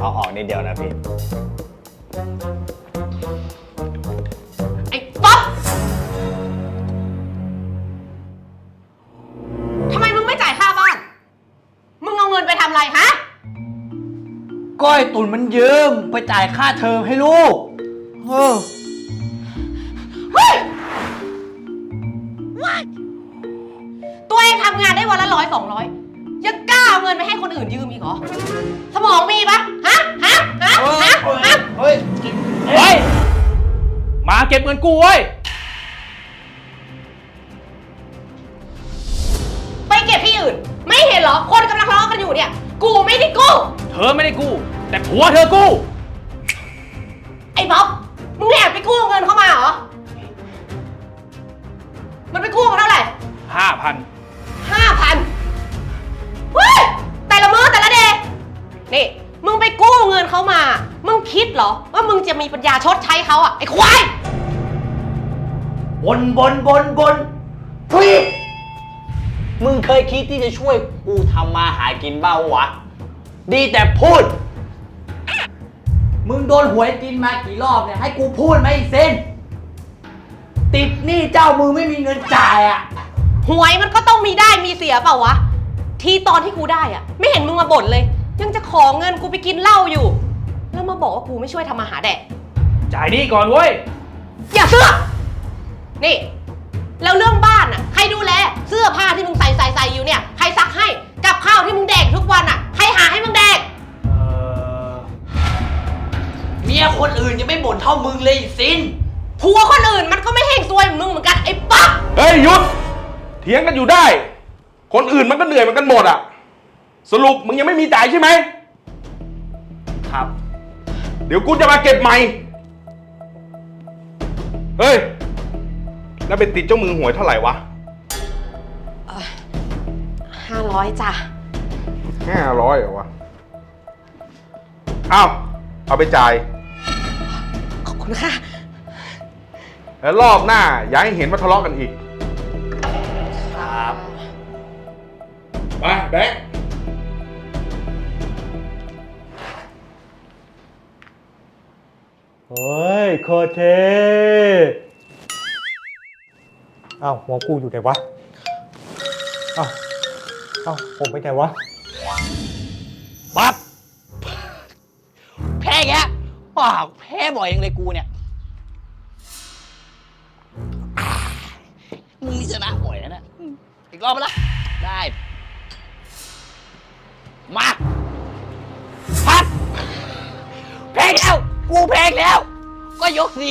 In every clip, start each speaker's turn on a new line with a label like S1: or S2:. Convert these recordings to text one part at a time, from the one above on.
S1: เอาออกนิดเดียวนะพี่
S2: ไอ้ป๊อปทำไมมึงไม่จ่ายค่าบ้าน มึงเอาเงินไปทำอะไรฮะ
S3: ก้อยตุ่นมันยืมไปจ่ายค่าเทอมให้ลูก
S2: เฮ้ย ตัวเองทำงานได้วันละ100-200ยังกล้าเอาเงินไปให้คนอื่นยืมอีกเหรอ สมองมีปะฮะ
S3: เฮ้ย
S4: มาเก็บเงินกูเว้ย
S2: ไปเก็บที่อื่น ไม่เห็นเหรอ คนกำลังทะเลาะกันอยู่เนี่ย กูไม่ได้กู้
S4: เธอไม่ได้กู้ แต่ผัวเธอกู้
S2: ไอ้บ๊อบมึงแอบไปกู้เงินเข้ามาเหรอ มันไปกู้มาเท่าไหร่
S4: 5,000
S2: 5,000 เฮ้ย แต่ละมื้อแต่ละเดย์นี่ มึงไปกู้เงินเขามา มึงคิดเหรอ ว่ามึงจะมีปัญญาชดใช้เขาอะไอ้ควาย
S3: บนทุยมึงเคยคิดที่จะช่วยกูทำมาหากินบ้างวะ ดีแต่พูด มึงโดนหวยกินมากี่รอบเนี่ยให้กูพูดไหมอีกเส้นติดหนี้เจ้ามือไม่มีเงินจ่ายอ่ะ
S2: หวยมันก็ต้องมีได้มีเสียเปล่าวะ ทีตอนที่กูได้อะไม่เห็นมึงมาบ่นเลย ยังจะขอเงินกูไปกินเหล้าอยู่ แล้วมาบอกว่ากูไม่ช่วยทำมาหาแดก
S4: จ่ายหนี้ก่อนเว้ย
S2: อย่าเสือกนี่ แล้วเรื่องบ้านอะใครดูแล เสื้อผ้าที่มึงใส่อยู่เนี่ย ใครซักให้ กับข้าวที่มึงแดกทุกวันอะใครหาให้มึงแดก
S3: เมียคนอื่นยังไม่บ่นเท่ามึงเลยอีสิน
S2: ผัวคนอื่นมันก็ไม่เฮงซวยเหมือนมึงเหมือนกันไอ้ป๊อก
S5: เฮ้ยหยุดเถียงกันอยู่ได้ คนอื่นมันก็เหนื่อยเหมือนกันหมดอ่ะ สรุปมึงยังไม่มีจ่ายใช่ไหม
S3: ครับ
S5: เดี๋ยวกูจะมาเก็บใหม่ เฮ้ย แล้วไปติดเจ้ามือหวยเท่าไหร่วะ
S2: 500จ้ะ
S5: 500เหรอวะอ้าวเอาไปจ่าย
S2: ขอบคุณค่ะ
S5: แล้วรอบหน้าอย่าให้เห็นว่าทะเลาะกันอีก
S3: ครับ
S5: ไปแบงค์
S1: เฮ้ยโคตรเทเอ้าหัวกูอยู่ไหนวะ เอ้าผมไปไหนวะ
S3: ปั๊บแพ้แกว้าวแพ้บ่อยยังเลยกูเนี่ยมึงนี่ชนะบ่อยนะอีกรอบละได้มาพัดแพ้แล้วกูแพ้แล้วก็ยกสิ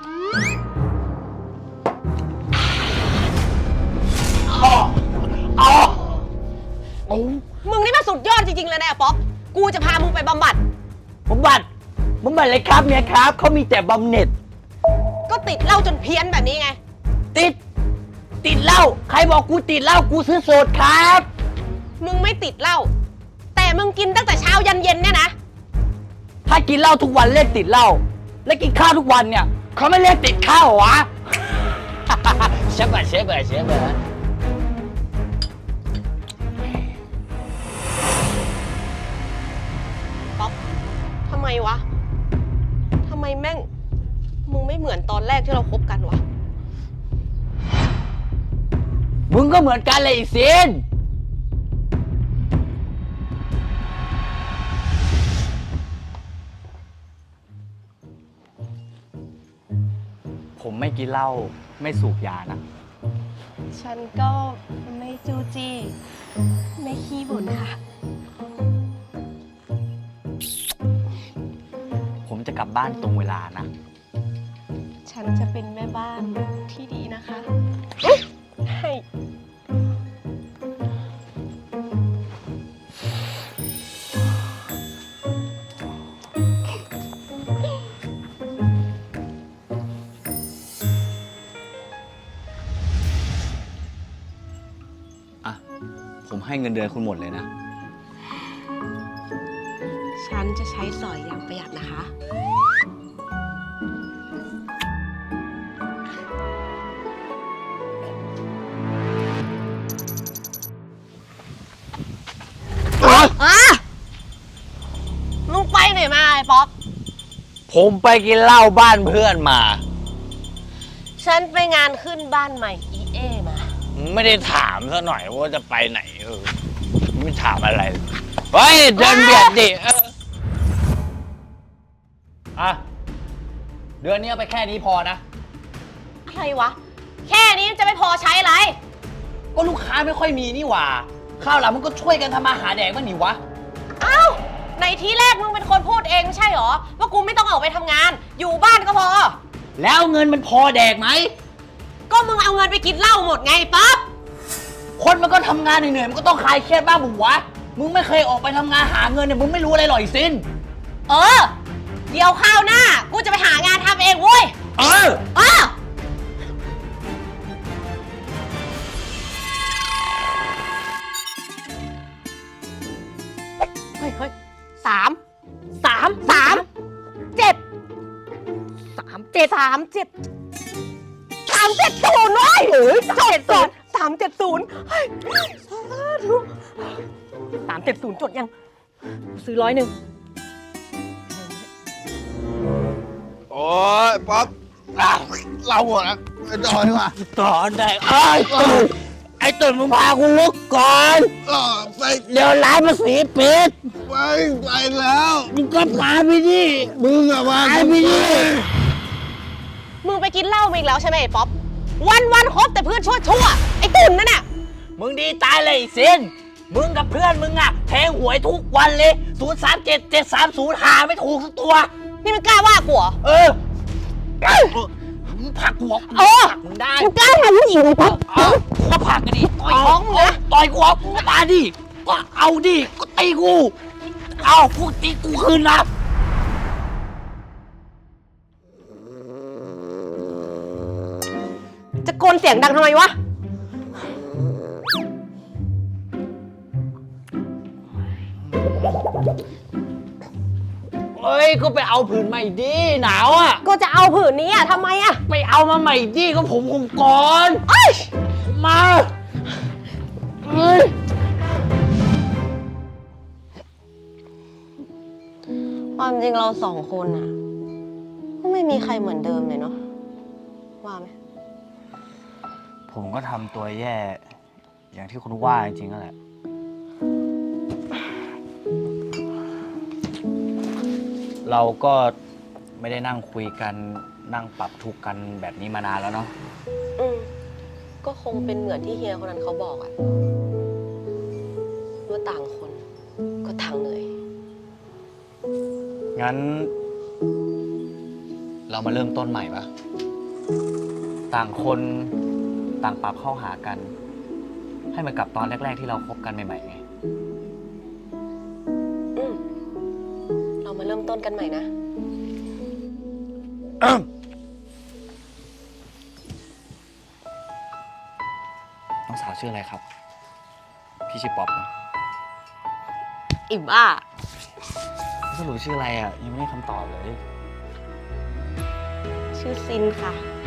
S3: อ๋อ
S2: มึงนี่มันสุดยอดจริงๆเลยนะป๊อป กูจะพามึงไปบำบัด
S3: บำบัดเลยครับเมียครับเขามีแต่บำเหน็จ
S2: ก็ติดเหล้าจนเพี้ยนแบบนี้ไง
S3: ติดเหล้าใครบอกกูติดเหล้ากูซื้อโสดครับ
S2: มึงไม่ติดเหล้า แต่มึงกินตั้งแต่เช้ายันเย็นเนี่ยนะ
S3: ถ้ากินเหล้าทุกวันเรียกติดเหล้าและกินข้าวทุกวันเนี่ยเขาไม่เรียกติดข้าวเหรอวะ เชฟเบอร์
S2: ป๊อป ทำไมวะ ทำไมแม่ง มึงไม่เหมือนตอนแรกที่เราคบกันวะ
S3: มึงก็เหมือนกันเลยอีสินผมไม่กินเหล้าไม่สูบยานะ
S6: ฉันก็ไม่จู้จี้ ไม่ขี้บ่นค่ะ
S3: ผมจะกลับบ้านตรงเวลานะ
S6: ฉันจะเป็นแม่บ้านที่ดีนะคะให้
S3: อ่ะ ผมให้เงินเดือนคุณหมดเลยนะ
S6: ฉันจะใช้สอยอย่างประหยัดนะคะ
S2: มึงไปไหน
S3: ผมไปกินเหล้าบ้านเพื่อนมา
S2: ฉันไปงานขึ้นบ้านใหม่อีเอมา
S3: ไม่ได้ถามซะหน่อยว่าจะไปไหนไม่ถามอะไรเฮ้ยเดินเบียดดิอ่ะเดือนนี้เอาไปแค่นี้พอนะ
S2: อะไรวะ แค่นี้จะไม่พอใช้อะไร
S3: ก็ลูกค้าไม่ค่อยมีนี่หว่าข้าวหลังมันก็ช่วยกันทำมาหาแดกบ้างนี่วะ
S2: เอ้า ในที่แรกมึงเป็นคนพูดเองไม่ใช่หรอ ว่ากูไม่ต้องออกไปทำงาน อยู่บ้านก็พอ
S3: แล้วเงินมันพอแดกไหม
S2: ก็มึงเอาเงินไปกินเหล้าหมดไงปั๊บ
S3: คนมันก็ทำงานเหนื่อยๆมันก็ต้องคลายเครียดบ้างบุ๋วะมึงไม่เคยออกไปทำงานหาเงินเนี่ยมึงไม่รู้อะไรหรอกไอ้ซิน
S2: เออ เดี๋ยวข้าวหน้า กูจะไปหางานทำเองเว้ย
S3: เออ
S2: เออ เฮ้ยสามเจ็ด370เว้ย370เฮ้ย370จดยัง ซื้อ100
S7: โอ้ยป๊อปเราหมดแล้วไปต่อดีกว่า
S3: ต่อได้ไอ้ตุ่นมึงพากูลุกก่อน
S7: ไป
S3: เดี๋ยวร้านมันสีปิด
S7: ไปแล้ว
S3: มึงก็พาไปดิ
S7: มึงอะมา
S3: พาไปดิ
S2: มึงไปกินเหล้ามาอีกแล้วใช่ไหมไอ้ป๊อป วันคบแต่เพื่อนชั่วไอ้ตุ่นนั่นน่ะ
S3: มึงดีตายเลยไอ้ซินมึงกับเพื่อนมึงอะแทงหวยทุกวันเลย037-730หาไม่ถูกสักตัว
S2: นี่มันกล้าว่ากูเหรอ
S3: เออมึงผลักกูออก
S2: เออ
S3: มึงได้
S2: มึงกล้าทำผู้หญิงเลยป๊อป
S3: ก็ผลักกันดิต่อย
S2: ท้องมึงนะ
S3: ต่อยกูออกมาดิก็เอาดิก็ตีกูเอากูตีกูคืนนะ
S2: จะโกนเสียงดังทำไมวะ
S3: เอ้ยก็ไปเอาผืนใหม่ดิหนาวอ่ะ
S2: ก็จะเอาผืนนี้อ่ะทำไมอ่ะ
S3: ไปเอามาใหม่ดิก็ผมก่อน
S2: เอ้ย
S3: มาเฮ้ย
S2: ความจริงเราสองคนอ่ะก็ไม่มีใครเหมือนเดิมเลยเนาะ ว่าไหม
S3: ผมก็ทำตัวแย่ อย่างที่คุณว่าจริงๆนั่นแหละเราก็ไม่ได้นั่งคุยกันนั่งปรับทุกข์กันแบบนี้มานานแล้วเนาะ
S2: ก็คงเป็นเหมือนที่เฮียคนนั้นเขาบอกอะว่าต่างคนก็ต่างเหนื่อย
S3: งั้น เรามาเริ่มต้นใหม่ปะต่างคนต่างปรับเข้าหากัน ให้มันกลับตอนแรกๆที่เราคบกันใหม่ๆไง
S2: เรามาเริ่มต้นกันใหม่นะ
S3: น้องสาวชื่ออะไรครับ พี่ชื่อป๊อปนะ
S2: อิ่มบ้า
S3: สรุปชื่ออะไรอ่ะ ยังไม่ได้คำตอบเลย
S2: ชื่อซินค่ะ